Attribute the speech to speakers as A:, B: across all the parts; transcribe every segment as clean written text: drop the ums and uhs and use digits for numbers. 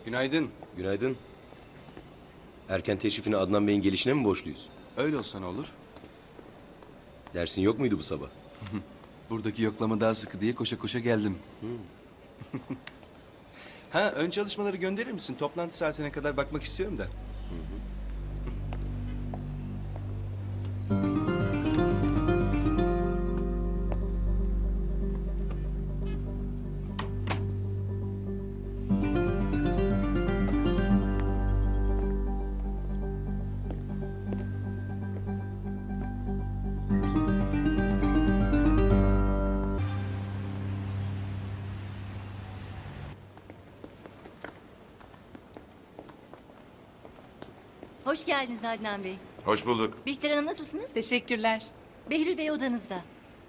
A: Günaydın.
B: Günaydın. Erken teşrifini Adnan Bey'in gelişine mi borçluyuz?
A: Öyle olsa ne olur?
B: Dersin yok muydu bu sabah?
A: Buradaki yoklama daha sıkı diye koşa koşa geldim. Ha, ön çalışmaları gönderir misin? Toplantı saatine kadar bakmak istiyorum da.
C: Hoş geldiniz Adnan Bey.
D: Hoş bulduk.
C: Bihter Hanım nasılsınız?
E: Teşekkürler.
C: Behlül Bey odanızda.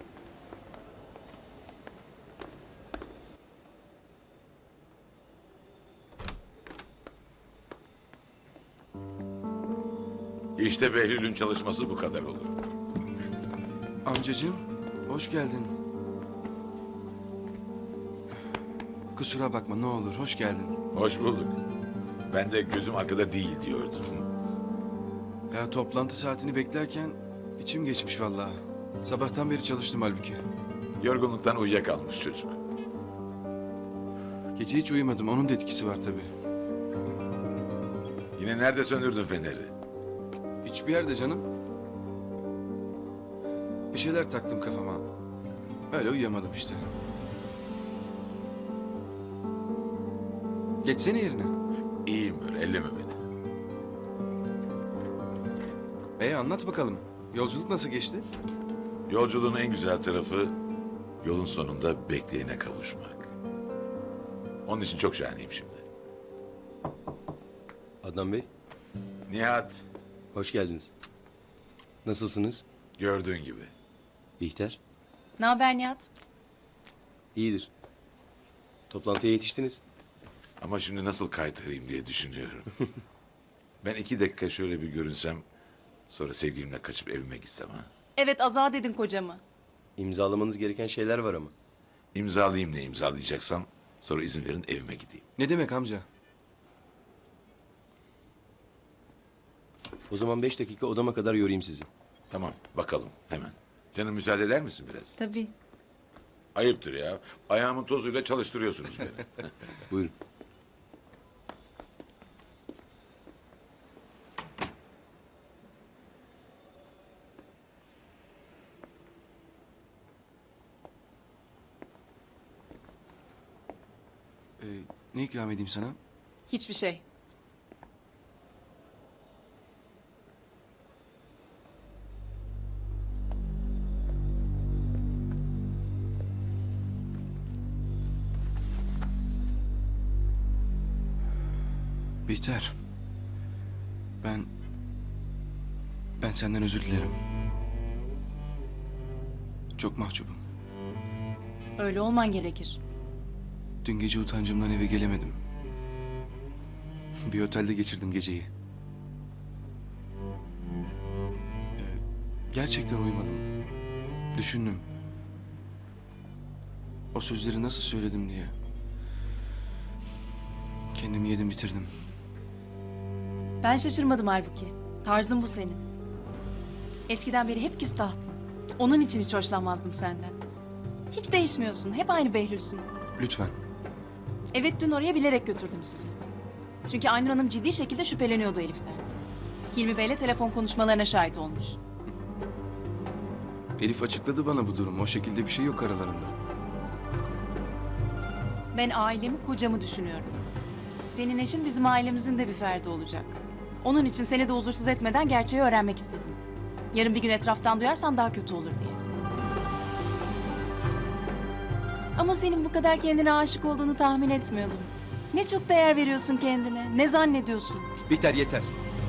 D: İşte Behlül'ün çalışması bu kadar olur.
A: Amcacığım, hoş geldin. Kusura bakma ne olur, hoş geldin.
D: Hoş bulduk. Ben de gözüm arkada değil diyordum.
A: Ya toplantı saatini beklerken içim geçmiş vallahi. Sabahtan beri çalıştım halbuki.
D: Yorgunluktan uyuyakalmış çocuk.
A: Gece hiç uyumadım, onun da etkisi var tabii.
D: Yine nerede söndürdün feneri?
A: Hiçbir yerde canım. Bir şeyler taktım kafama. Öyle uyuyamadım işte. Geçsene yerine.
D: İyiyim böyle, elleme beni.
A: Anlat bakalım. Yolculuk nasıl geçti?
D: Yolculuğun en güzel tarafı yolun sonunda bekleyene kavuşmak. Onun için çok şahaneyim şimdi.
B: Adnan Bey,
D: Nihat,
B: hoş geldiniz. Nasılsınız?
D: gördüğün gibi.
B: Bihter?
E: Ne haber Nihat?
B: İyidir. Toplantıya yetiştiniz.
D: Ama şimdi nasıl kaytarayım diye düşünüyorum. Ben 2 dakika şöyle bir görünsem, sonra sevgilimle kaçıp evime gitsem ha.
E: Evet, azat edin kocamı.
B: İmzalamanız gereken şeyler var ama.
D: İmzalayayım ne imzalayacaksam, sonra izin verin evime gideyim.
A: Ne demek amca?
B: O zaman 5 dakika odama kadar yorayım sizi.
D: Tamam, bakalım hemen. Canım müsaade eder misin biraz?
E: Tabii.
D: Ayıptır ya. Ayağımın tozuyla çalıştırıyorsunuz beni.
B: Buyurun.
A: Ne ikram edeyim sana?
E: Hiçbir şey.
A: Bihter. Ben senden özür dilerim. Çok mahcubum.
E: Öyle olman gerekir.
A: Dün gece utancımdan eve gelemedim. Bir otelde geçirdim geceyi. Gerçekten uyumadım. Düşündüm. O sözleri nasıl söyledim diye. Kendimi yedim bitirdim.
E: Ben şaşırmadım halbuki. Tarzın bu senin. Eskiden beri hep küstahtın. Onun için hiç hoşlanmazdım senden. Hiç değişmiyorsun. Hep aynı Behlül'sün.
A: Lütfen.
E: Evet, dün oraya bilerek götürdüm sizi. Çünkü Aynur Hanım ciddi şekilde şüpheleniyordu Elif'ten. Hilmi Bey'le telefon konuşmalarına şahit olmuş.
A: Elif açıkladı bana bu durumu. O şekilde bir şey yok aralarında.
E: Ben ailemi, kocamı düşünüyorum. Senin eşin bizim ailemizin de bir ferdi olacak. Onun için seni de huzursuz etmeden gerçeği öğrenmek istedim. Yarın bir gün etraftan duyarsan daha kötü olur diye. Ama senin bu kadar kendine aşık olduğunu tahmin etmiyordum. Ne çok değer veriyorsun kendine, ne zannediyorsun?
A: Bihter yeter.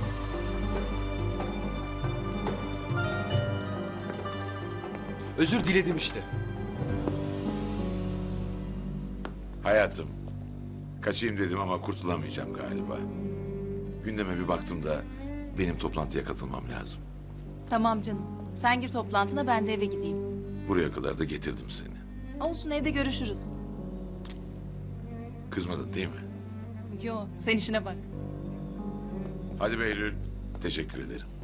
A: Özür diledim işte.
D: Hayatım, kaçayım dedim ama kurtulamayacağım galiba. Gündeme bir baktım da benim toplantıya katılmam lazım.
E: Tamam canım, sen gir toplantına, ben de eve gideyim.
D: Buraya kadar da getirdim seni.
E: Olsun, evde görüşürüz.
D: Kızmadın değil mi?
E: Yo, sen işine bak.
D: Hadi Behlül. Teşekkür ederim.